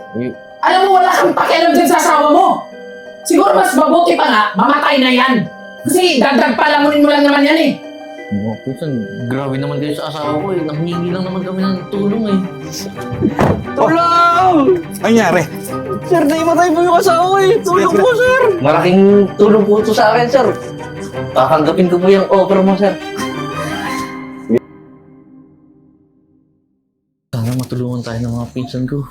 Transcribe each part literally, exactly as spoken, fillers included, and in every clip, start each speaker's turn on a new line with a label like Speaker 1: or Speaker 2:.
Speaker 1: Eh,
Speaker 2: Alam mo, wala kang pakialam dyan sa asawa mo. Siguro mas mabuti pa nga, mamatay na yan. Kasi dagdag palamunin mo lang naman yan eh.
Speaker 1: mga pinsan, grabe naman kayo sa asawa ko eh. Nanghingi lang naman kami ng tulong eh.
Speaker 3: Tulong!
Speaker 4: Ano nangyari?
Speaker 3: Sir, naimatay po yung asawa ko eh. Tulong po, sir.
Speaker 1: Malaking tulong po ito sa akin, sir. Kakanggapin ko po yung offer mo, sir. Sana matulungan tayo ng mga pinsan ko.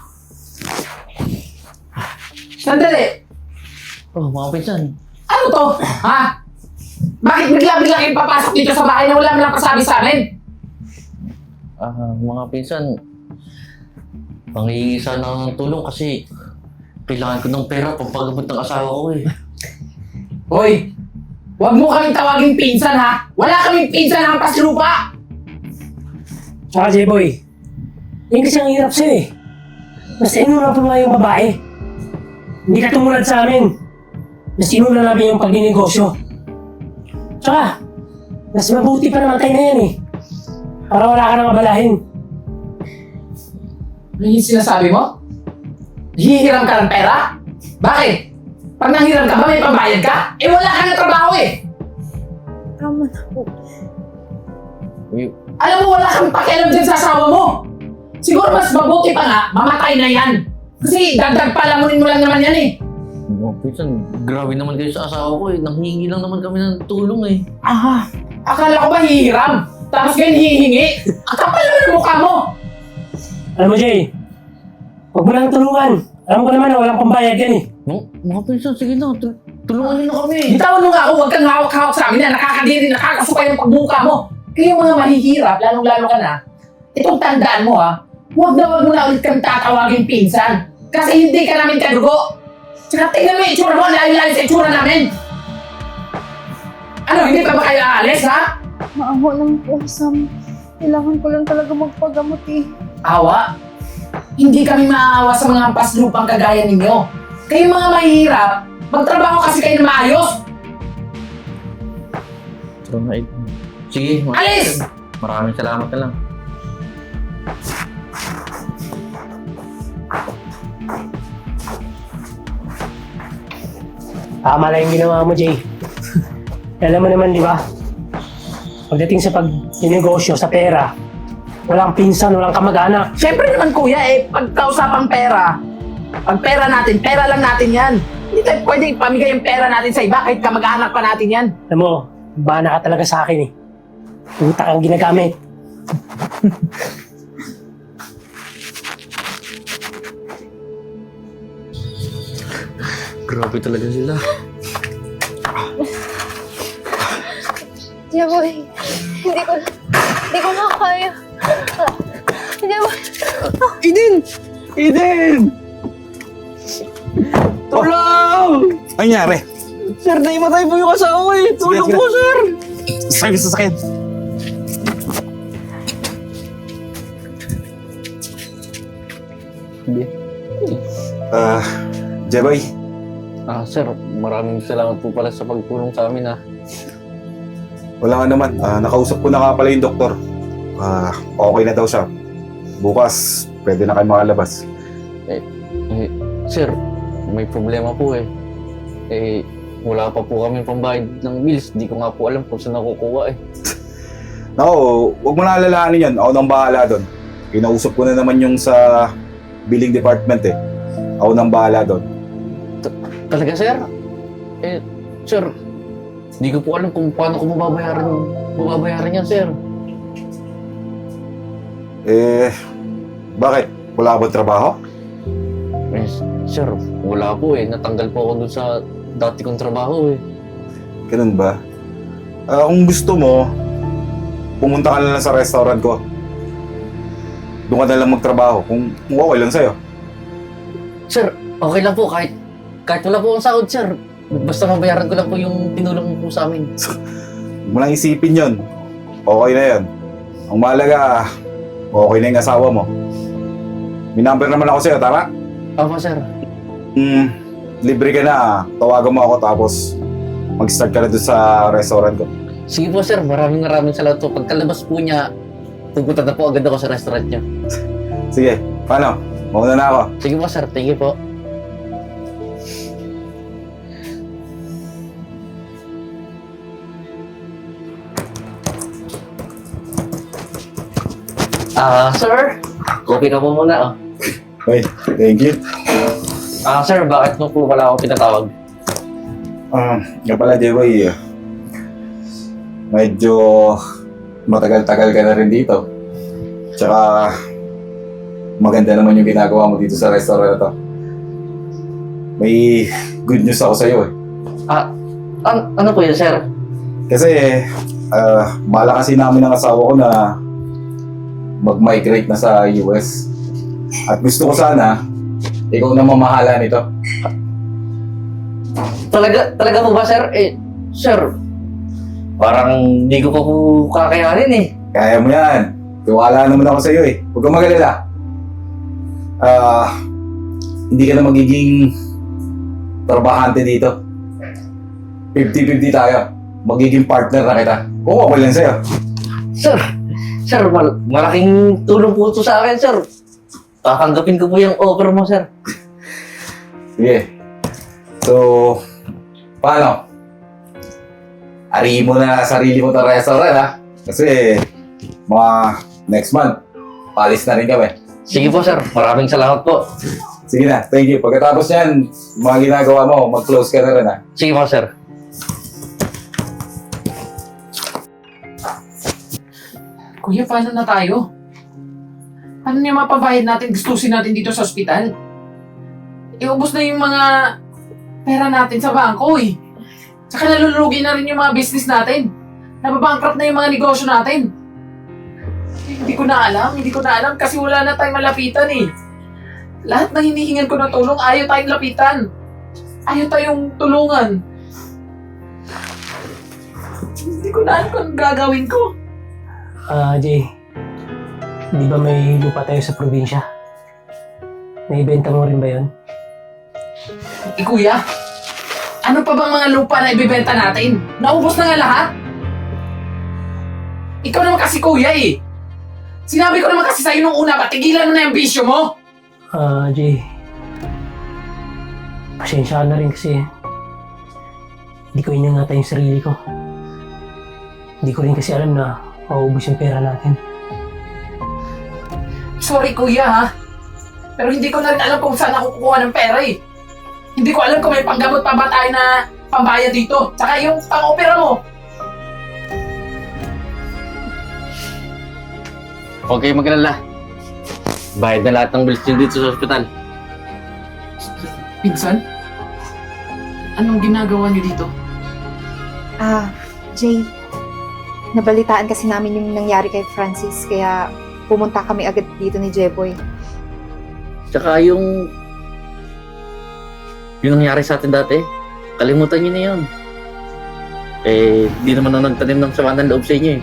Speaker 2: Sandali,
Speaker 1: Oh, mga pinsan.
Speaker 2: ano to? Ha? Bakit bigla-bigla kayong papasok dito sa bahay na wala mo lang pasabi sa amin?
Speaker 1: Ah, mga pinsan, panghihingi sana ako ng tulong kasi kailangan ko ng pera pampagamot ng asawa ko eh.
Speaker 2: Hoy, huwag mo kaming tawaging pinsan ha. Wala kaming pinsan ng paslupa.
Speaker 3: Tsaka, J-Boy, yung kasi ang hirap sa'yo eh. Mas inuna pa nga yung babae. Hindi ka tumulad sa amin. Mas inuna namin yung pagninegosyo. Tsaka, mas mabuti pa namatay na yan eh. Para wala ka nang abalahin.
Speaker 2: Ano yung sinasabi mo? Hihiram ka ng pera? Bakit? Pag nanghiram ka ba may pambayad ka? Eh wala ka na trabaho eh.
Speaker 5: Tama na po.
Speaker 1: Eh,
Speaker 2: Alam mo, wala kang pakialam dyan sa asawa mo. Siguro mas mabuti pa nga, mamatay na yan. Kasi dagdag palamunin mo lang naman yan eh.
Speaker 1: mga pinsan, grabe naman kayo sa asawa ko eh. Nanghingi lang naman kami ng tulong eh.
Speaker 2: Aha, akala ko ba hihiram? Tapos ngayon hihingi? Ang kapal naman ang mukha mo.
Speaker 3: Alam mo, Jay, huwag mo lang tulungan. Alam ko naman na walang pambayad yan eh.
Speaker 1: Mga, mga pinsan, sige na, tul- tulungan niyo na kami.
Speaker 2: Bitawan mo nga ako, huwag kang hawak-hawak sa amin na nakakadiri, nakakasukay ang pagbuka mo. Kaya yung mga mahihirap, lalong-lalo ka na, itong tandaan mo ha, huwag na huwag mo na ulit kami tatawagin pinsan. Kasi hindi ka namin kadugo. Tsaka tingnan mo yung itsura mo, layo-layo sa itsura namin. Ano, hindi pa ba kayo aalis ha?
Speaker 5: Maawa lang po, Sam. Kailangan ko lang talaga magpagamot eh.
Speaker 2: Awa? Hindi kami maaawa sa mga paslupang kagaya ninyo. Kayo mga mahihirap, magtrabaho kasi kayo na maayos.
Speaker 1: Tara na, eh. Sige, mga
Speaker 2: Alis!
Speaker 1: pinsan. Maraming salamat na lang.
Speaker 3: Tama lang yung ginawa mo, Jay. Alam mo naman, di ba? Pagdating sa pag-negosyo, sa pera, walang pinsan, walang kamag-anak.
Speaker 2: Siyempre naman kuya eh, pagkausapang pera, pag pera natin, pera lang natin yan. Hindi tayo pwedeng pamigay yung pera natin sa iba kahit kamag-anak pa natin yan.
Speaker 3: Alam mo, bana ka talaga sa akin eh. Utak ang ginagamit.
Speaker 1: Grabe talaga sila.
Speaker 5: Jeboy, hindi ko, hindi ko na kaya. Jeboy,
Speaker 3: Eden! Eden! Tulong!
Speaker 4: Ano nangyari?
Speaker 3: Sir, naimatay po yung asawa ko eh. Tulong
Speaker 4: Sige, sige.
Speaker 3: po, sir!
Speaker 4: Sakit sa sakit.
Speaker 1: Hindi.
Speaker 4: Ah, Jeboy,
Speaker 1: Ah, sir, maraming salamat po pala sa pagtulong sa amin ah.
Speaker 4: wala nga naman. Ah, nakausap ko na nga pala yung doktor. Ah, okay na daw siya. Bukas, pwede na kayo makalabas.
Speaker 1: Eh, sir, may problema po eh. Eh, wala pa po kami pambayad ng bills. Di ko nga po alam kung saan nakukuha eh.
Speaker 4: Nako, huwag mo na alalahanin yan. Ako nang bahala doon. Kinausap ko na naman yung sa billing department eh. Ako nang bahala doon.
Speaker 1: Talaga, sir? Eh, sir, di ko po alam kung paano ko mababayaran, mababayaran yan, sir.
Speaker 4: Eh, bakit? Wala ka ba trabaho?
Speaker 1: Eh, sir, wala po eh. Natanggal po ako dun sa dati kong trabaho eh.
Speaker 4: Ganun ba? Ah, kung gusto mo, pumunta ka na lang sa restaurant ko. Doon ka na lang magtrabaho kung, kung okay lang sa'yo.
Speaker 1: Sir, okay lang po kahit kahit wala po akong sahod, sir. Basta mabayaran ko lang po yung tinulong mo po sa amin.
Speaker 4: Huwag mo lang isipin yon. Okay na yan. Ang mahalaga, okay na yung asawa mo. May number naman ako sa'yo, tara?
Speaker 1: Opo, sir.
Speaker 4: Hmm, libre ka na. Tawagan mo ako tapos mag-start ka na doon sa restaurant ko.
Speaker 1: Sige po, sir. Maraming maraming salamat po. Pagkalabas po niya, pupunta na po agad ako sa restaurant niya.
Speaker 4: Sige, paano? Mauna na ako.
Speaker 1: Sige po, sir. Thank you po. Ah, sir. Coffee ka po muna, oh.
Speaker 4: Hey, thank you.
Speaker 1: Ah, sir, bakit mo po wala ako pinatawag?
Speaker 4: Ah, nga pala, Jeboy. Medyo matagal-tagal ka na rin dito. Tsaka, maganda naman yung ginagawa mo dito sa restaurant na to. May good news ako sa'yo eh.
Speaker 1: Ah, an ano po yun, sir?
Speaker 4: Kasi, ah, bala kasi namin ng asawa ko na mag-migrate na sa U S. At gusto ko sana, ikaw na mamahala nito.
Speaker 1: Talaga, talaga po ba, sir? Eh, sir, parang hindi ko pa po kakayanin eh.
Speaker 4: Kaya mo yan. Tiwala naman ako sa'yo eh. Huwag kang mag-alala. Ah, hindi ka na magiging trabahante dito. fifty-fifty tayo. Magiging partner na kita. Kung okay lang sa'yo.
Speaker 1: Sir, sir, mal malaking tulong po ito sa akin, sir. Tatanggapin ko po yung offer mo, sir.
Speaker 4: Sige. So, paano? Arihin mo na sarili mo sa restaurant ha. Kasi, mga next month, palis na rin kami.
Speaker 1: Sige po, sir. Maraming salamat po.
Speaker 4: Sige na, thank you. Pagkatapos yan, mga ginagawa mo, mag-close ka na rin ha.
Speaker 1: Sige po, sir.
Speaker 2: Kuya, paano na tayo? Ano yung mapabayad natin, gustusin natin dito sa ospital? Iubos na yung mga pera natin sa bangko eh. Tsaka nalulugi na rin yung mga business natin. Nababankrupt na yung mga negosyo natin. Eh, hindi ko na alam, hindi ko na alam kasi wala na tayong malapitan eh. Lahat ng hinihingan ko ng tulong, ayaw tayong lapitan. Ayaw tayong tulungan. Hindi ko na alam kung anong gagawin ko.
Speaker 3: Ah, Jay. Di ba may lupa tayo sa probinsya? Naibenta mo rin ba yun?
Speaker 2: Eh kuya, ano pa bang mga lupa na ibibenta natin? Naubos na nga lahat? Ikaw naman kasi kuya eh. Sinabi ko naman kasi sa'yo nung una, patigilan mo na yung bisyo mo.
Speaker 3: Ah, Jay. Pasensya ka na rin kasi hindi ko iningatan yung sarili ko. Hindi ko rin kasi alam na maubos yung pera natin.
Speaker 2: Sorry kuya ha. Pero hindi ko na rin alam kung saan ako kukuha ng pera eh. Hindi ko alam kung may panggamot pa ba tayo na pambayad dito. Tsaka yung pang-opera mo.
Speaker 1: Huwag kayong mag-alala. Bayad na lahat ng bills niyo dito sa ospital.
Speaker 2: Pinsan? Anong ginagawa niyo dito?
Speaker 5: Ah, Jay, nabalitaan kasi namin yung nangyari kay Francis, kaya pumunta kami agad dito ni Jeboy.
Speaker 1: Tsaka yung... yung nangyari sa atin dati, kalimutan niyo na yun. Eh, di naman na nagtanim ng sama ng loob sa inyo eh.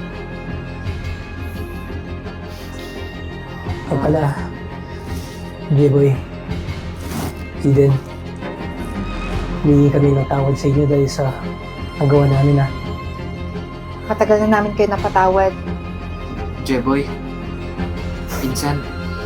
Speaker 3: Ang pala, J-Boy, Eden, humingi kami ng tawad sa inyo dahil sa nagawa namin ha.
Speaker 5: Matagal na namin kayo napatawad.
Speaker 2: Jeboy, pinsan,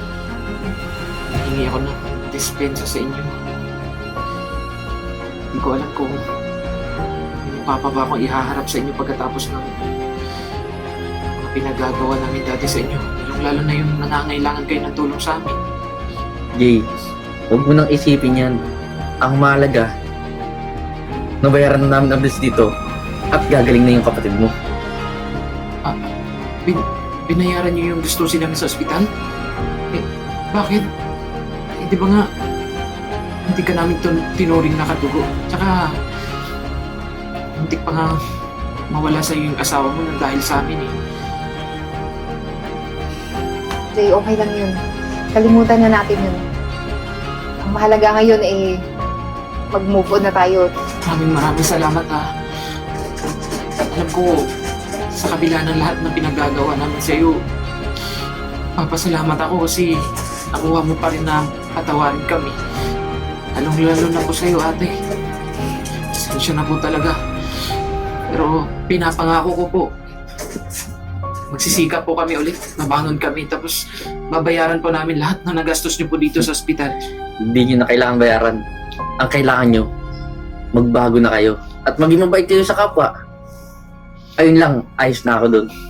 Speaker 2: hingi ako ng dispensa sa inyo. Hindi ko alam kung ano pa pa ba akong ihaharap sa inyo pagkatapos ng mga pinagagawa namin dati sa inyo. Lalo na yung nangangailangan kayo ng tulong sa amin.
Speaker 1: Jay, huwag mo nang isipin yan. Ang mahalaga, nabayaran na namin ang bills dito at gagaling na yung kapatid mo.
Speaker 2: Bin binayaran niyo yung gusto namin sa ospital? Eh, bakit? Eh, di ba nga, hindi ka namin tun- tinuring na katugo. Tsaka, muntik pa nga mawala sa yung asawa mo nang dahil sa amin eh.
Speaker 5: Jay, okay lang yun. Kalimutan na natin yun. Ang mahalaga ngayon eh, mag-move on na tayo.
Speaker 2: Maraming maraming salamat ha. Alam ko, sa kabila ng lahat ng pinagagawa namin sa iyo, papasalamat ako kasi nakuha mo pa rin na patawarin kami. Lalong-lalo na po sa iyo, ate. Pasensya na po talaga. Pero pinapangako ko po, magsisikap po kami ulit. Mabangon kami. Tapos babayaran po namin lahat ng nagastos niyo po dito sa ospital.
Speaker 1: Hindi nyo na kailangan bayaran. Ang kailangan nyo, magbago na kayo. At maging mabait kayo sa kapwa. Ayun lang, ayos na ako dun.